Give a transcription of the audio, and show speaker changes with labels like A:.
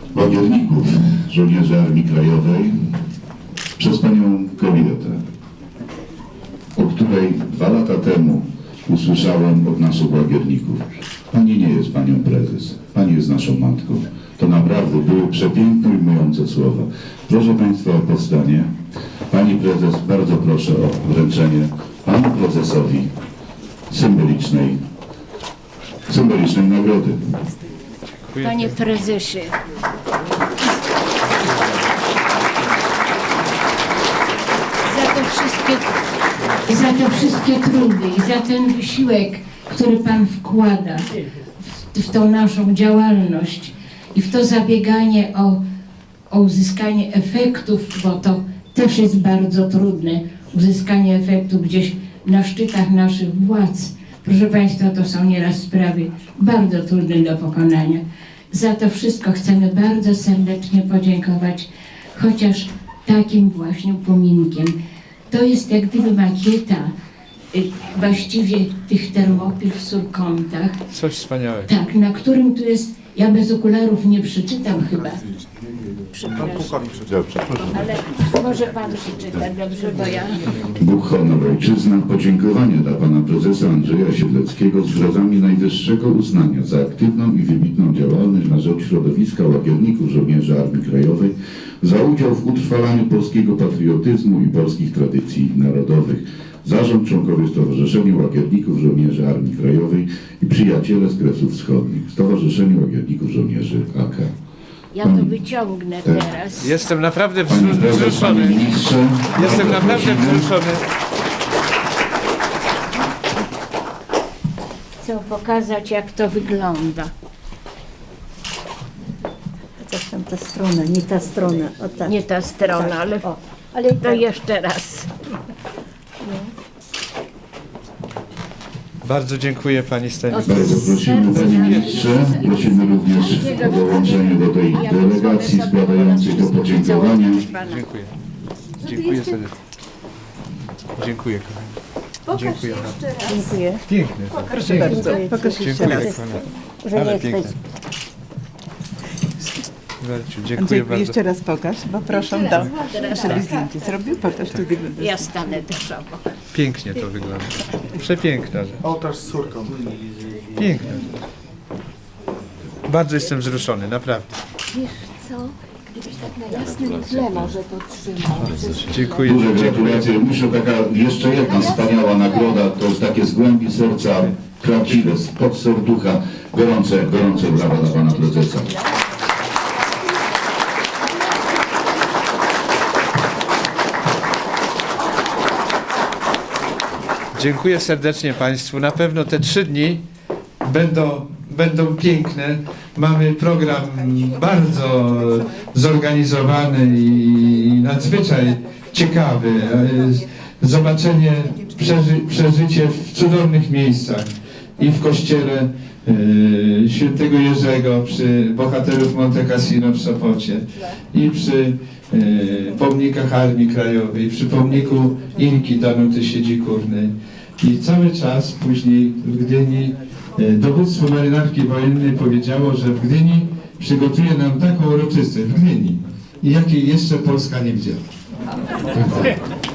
A: łagierników, żołnierzy Armii Krajowej, przez panią kobietę, o której 2 lata temu usłyszałem od naszych łagierników. Pani nie jest panią prezes, pani jest naszą matką. To naprawdę były przepiękne i ujmujące słowa. Proszę państwa o powstanie. Pani prezes, bardzo proszę o wręczenie panu prezesowi symbolicznej nagrody.
B: Panie prezesie, za te wszystkie trudy i za ten wysiłek, który pan wkłada w tą naszą działalność i w to zabieganie o uzyskanie efektów, bo to też jest bardzo trudne, uzyskanie efektów gdzieś na szczytach naszych władz. Proszę państwa, to są nieraz sprawy bardzo trudne do pokonania. Za to wszystko chcemy bardzo serdecznie podziękować, chociaż takim właśnie upominkiem. To jest jak gdyby makieta właściwie tych termopil w Surkątach.
C: Coś wspaniałego.
B: Tak, na którym tu jest, ja bez okularów nie przeczytam chyba. Przepraszam. Ale może pan przeczyta, dobrze, bo ja...
A: Bóg, honor, ojczyzna, podziękowanie dla pana prezesa Andrzeja Siedleckiego z wyrazami najwyższego uznania za aktywną i wybitną działalność na rzecz środowiska łagierników żołnierzy Armii Krajowej, za udział w utrwalaniu polskiego patriotyzmu i polskich tradycji narodowych. Zarząd, członkowie Stowarzyszenia Łagierników Żołnierzy Armii Krajowej i przyjaciele z Kresów Wschodnich, Stowarzyszenie Łagierników Żołnierzy AK.
B: Ja to wyciągnę teraz.
C: Jestem naprawdę
A: Panie prezes, panie
C: wzruszony.
A: ministrze,
C: Jestem
A: bardzo
C: naprawdę
A: prosimy.
C: wzruszony.
B: Chcę pokazać, jak to wygląda.
D: Chociaż tam ta strona, nie ta strona. O tak.
B: Nie ta strona,
D: Tak,
B: ale
D: o, ale
B: to
D: tak.
B: jeszcze raz.
C: Bardzo dziękuję pani Stanisław.
A: Bardzo prosimy, panie ministrze, prosimy również o dołączenie do tej delegacji składającej to podziękowania.
C: Dziękuję. Dziękuję serdecznie. Dziękuję kochani. Dziękuję.
D: Dziękuję.
C: Piękne to.
D: Proszę bardzo. Pokaż jeszcze
C: Dziękuję
D: raz.
C: kochana.
D: Że nie
C: Ale
D: jesteś.
C: piękne. Werciu, dziękuję
E: Andrzejku,
C: bardzo.
E: jeszcze raz pokaż, bo proszę żeby zdjęcie zrobił, pokaż, tu wygląda.
B: Ja stanę też obok.
C: Pięknie to wygląda. Przepiękna rzecz.
F: Ołtarz z córką.
C: Piękna rzecz. Bardzo jestem wzruszony, naprawdę.
D: Wiesz co, gdybyś tak na jasnym tle może to trzymał.
C: Dziękuję.
A: Duże gratulacje. Muszę taka jeszcze jedna wspaniała nagroda, to jest takie z głębi serca, prawdziwe, spod serducha. Gorące brawa dla pana prezesa.
C: Dziękuję serdecznie państwu. Na pewno te 3 dni będą piękne. Mamy program bardzo zorganizowany i nadzwyczaj ciekawy. Zobaczenie, przeżycie w cudownych miejscach i w kościele Świętego Jerzego przy bohaterów Monte Cassino w Sopocie i przy pomnikach Armii Krajowej, przy pomniku Inki Danuty Siedzi-Kurnej. I cały czas później w Gdyni dowództwo marynarki wojennej powiedziało, że w Gdyni przygotuje nam taką uroczystość, w Gdyni, jakiej jeszcze Polska nie widziała.